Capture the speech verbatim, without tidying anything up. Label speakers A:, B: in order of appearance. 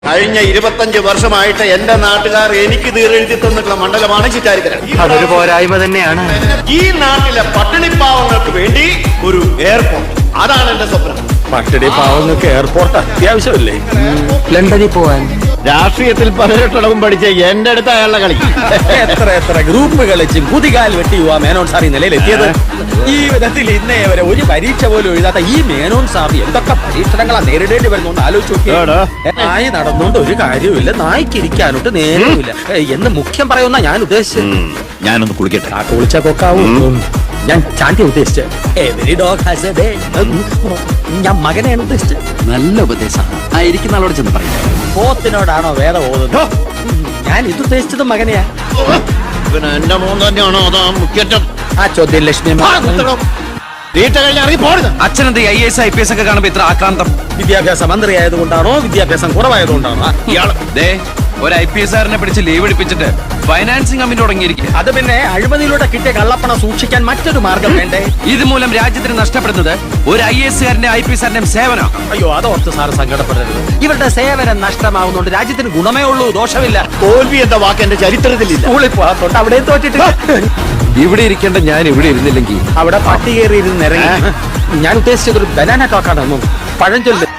A: കഴിഞ്ഞ ഇരുപത്തഞ്ച് വർഷമായിട്ട് എന്റെ നാട്ടുകാർ എനിക്ക് തീരെഴുതി തന്നിട്ടുള്ള മണ്ഡലമാണ് ചിറ്റാരിക്കര.
B: അതൊരു പോരായ്മ തന്നെയാണ്.
A: ഈ നാട്ടിലെ പട്ടിണിപ്പാവങ്ങൾക്ക് വേണ്ടി ഒരു എയർപോർട്ട്, അതാണ് എന്റെ സ്വപ്നം.
C: പട്ടിണി പാവങ്ങൾക്ക് എയർപോർട്ട് അത്യാവശ്യമല്ലേ?
B: ലണ്ടനിൽ പോവാൻ.
A: രാഷ്ട്രീയത്തിൽ പതിനെട്ടടവും പഠിച്ച എന്റെ അടുത്ത് അയാളുടെ കളി.
C: എത്ര എത്ര ഗ്രൂപ്പ് കളിച്ചും കുതികാൽ വെട്ടി യുവാ മേനോൻ സാർ ഈ നിലയിലെത്തിയത്. ഈ വിധത്തിൽ ഇന്നേ വരെ ഒരു പരീക്ഷ പോലും എഴുതാത്ത ഈ മേനോൻ സാർ എന്തൊക്കെ പരീക്ഷണങ്ങളാ നേരിടേണ്ടി വരുന്നോണ്ട് ആലോചിച്ച് നോക്കിയാ. നായി നടന്നുകൊണ്ട് ഒരു കാര്യവുമില്ല, നായ്ക്ക് ഇരിക്കാനോട്ട് നേരവുമില്ല എന്ന് മുഖ്യം പറയുന്ന ഞാൻ ഉദ്ദേശിച്ചത്.
A: ഞാനൊന്ന് കുളിക്കട്ടെ.
C: ആ കുളിച്ച കൊക്കാവും. ഞാൻ ചാണ്ടി ഉദ്ദേശിച്ചത്. Every dog has a day. ഞാൻ മകനെയാണ് ഉദ്ദേശിച്ചത്.
B: നല്ല ഉപദേശമാണ്. ആ ഇരിക്കുന്ന ആളോട് ചെന്ന് പറയാം.
C: പോത്തിനോടാണോ വേദം ഓതുന്നത്? ഞാൻ ഇത് ഉദ്ദേശിച്ചത് മകനെയാ.
A: പിന്നെ എന്റെ മോൻ തന്നെയാണോ അതാ മുഖ്യറ്റം?
C: ആ ചോദ്യം ലക്ഷ്മി
A: വീട്ട കഴിഞ്ഞ ഇറങ്ങി പോരുത്.
B: അച്ഛനെന്ത് I S I P S ഒക്കെ കാണുമ്പോ ഇത്ര ആക്രാന്തം?
C: വിദ്യാഭ്യാസ മന്ത്രി ആയതുകൊണ്ടാണോ വിദ്യാഭ്യാസം കുറവായതുകൊണ്ടാണോ?
A: ഇയാള്
B: ദേ ഒരു ഐ പി എസ് ആറിനെ പിടിച്ച് ലീവ് എടുപ്പിച്ചിട്ട് ഫൈനാൻസിങ് കമ്പനി തുടങ്ങിയിരിക്കുക.
C: അത് പിന്നെ അഴിമതിയിലൂടെ കിട്ടിയ കള്ളപ്പണം സൂക്ഷിക്കാൻ മറ്റൊരു മാർഗം വേണ്ടേ?
B: ഇതുമൂലം രാജ്യത്തിന് നഷ്ടപ്പെടുന്നത് ഒരു ഐ എസ് കാരന്റെ ഐ പി എസ് ആറിന്റെയും സേവനം.
C: അയ്യോ, അതോർത്ത് സാറ് സങ്കടപ്പെടരുത്. ഇവരുടെ സേവനം നഷ്ടമാവുന്നതുകൊണ്ട് രാജ്യത്തിന് ഗുണമേ ഉള്ളൂ, ദോഷമില്ല.
A: തോൽവി എന്ന വാക്ക് എന്റെ ചരിത്രത്തിലില്ല.
C: സ്കൂളിൽ പോകാത്തോണ്ട് അവിടെ തോറ്റിട്ട്
B: ഇവിടെ ഇരിക്കേണ്ട ഞാൻ ഇവിടെ ഇരുന്നില്ലെങ്കിൽ
C: അവിടെ പട്ടി കയറി ഇരുന്ന് ഇറങ്ങി. ഞാൻ ഉദ്ദേശിച്ചത് ഒരു ബനാന ടോക്കാണ്. പഴഞ്ചൊല്ല്